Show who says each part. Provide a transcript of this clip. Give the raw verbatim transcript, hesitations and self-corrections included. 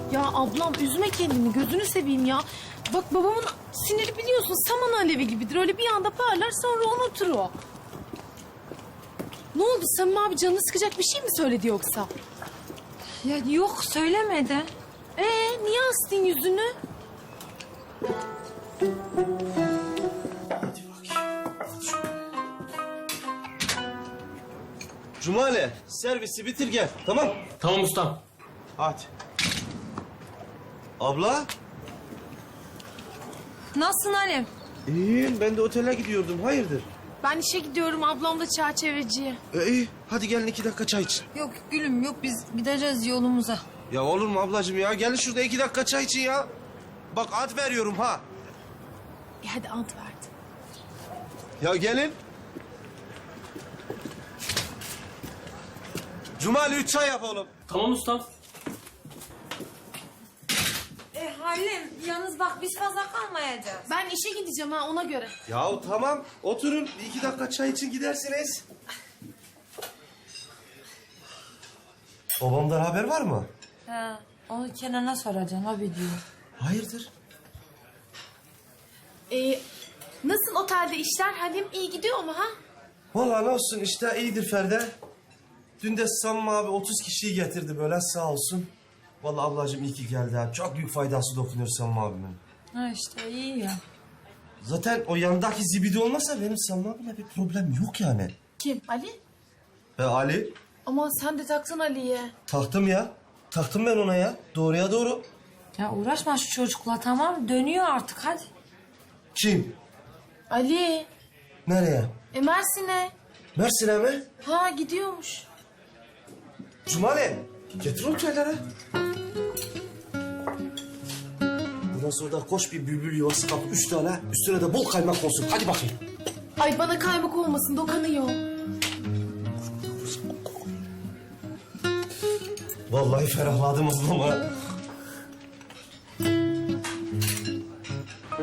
Speaker 1: Ya ablam üzme kendini, gözünü seveyim ya. Bak babamın siniri biliyorsun saman alevi gibidir. Öyle bir anda parlar sonra unutur o. Ne oldu Samim abi, canını sıkacak bir şey mi söyledi yoksa?
Speaker 2: Ya yok söylemedi.
Speaker 1: Ee niye astın yüzünü?
Speaker 3: Cumali, servisi bitir gel, tamam?
Speaker 4: Tamam ustam.
Speaker 3: Hadi. Abla?
Speaker 2: Nasılsın Halim?
Speaker 3: İyiyim, ben de otele gidiyordum, hayırdır?
Speaker 1: Ben işe gidiyorum, ablam da çerçeveciye.
Speaker 3: E, iyi, hadi gelin iki dakika çay için.
Speaker 2: Yok gülüm yok biz gideceğiz yolumuza.
Speaker 3: Ya olur mu ablacığım ya? Gelin şurada iki dakika çay için ya. Bak ad veriyorum ha.
Speaker 1: E hadi ant verdi.
Speaker 3: Ya gelin. Cumali üç çay yap oğlum.
Speaker 4: Tamam ustam.
Speaker 2: E Halim yalnız bak biz fazla kalmayacağız.
Speaker 1: Ben işe gideceğim ha, ona göre.
Speaker 3: Ya tamam, oturun. Bir iki dakika çay için gidersiniz. Babamdan haber var mı?
Speaker 2: He onu Kenan'a soracaksın o biliyor.
Speaker 3: Hayırdır?
Speaker 1: Ee, nasıl otelde işler Halim, iyi gidiyor mu ha?
Speaker 3: Vallahi ne olsun işte, iyidir Feride. Dün de Samim abi otuz kişiyi getirdi böyle, sağ olsun. Vallahi ablacığım iyi ki geldi ha. Çok büyük faydası dokunuyor Samim abimin.
Speaker 2: Ha işte iyi ya.
Speaker 3: Zaten o yandaki zibidi olmasa benim Samim abiyle bir problem yok yani.
Speaker 1: Kim? Ali?
Speaker 3: E Ali?
Speaker 1: Aman sen de taksın Ali'ye.
Speaker 3: Taktım ya. Taktım ben ona ya. Doğruya doğru.
Speaker 2: Ya uğraşma şu çocukla tamam dönüyor artık hadi.
Speaker 3: Kim?
Speaker 1: Ali.
Speaker 3: Nereye?
Speaker 1: E Mersin'e.
Speaker 3: Mersin'e mi?
Speaker 1: Ha gidiyormuş.
Speaker 3: Cumali. Getir o çayları. Bundan sonra da koş bir bülbül yuvası kap. Üç tane. Üstüne de bol kaymak olsun. Hadi bakayım.
Speaker 1: Ay bana kaymak olmasın, dokanıyor.
Speaker 3: Vallahi ferahladım ablama.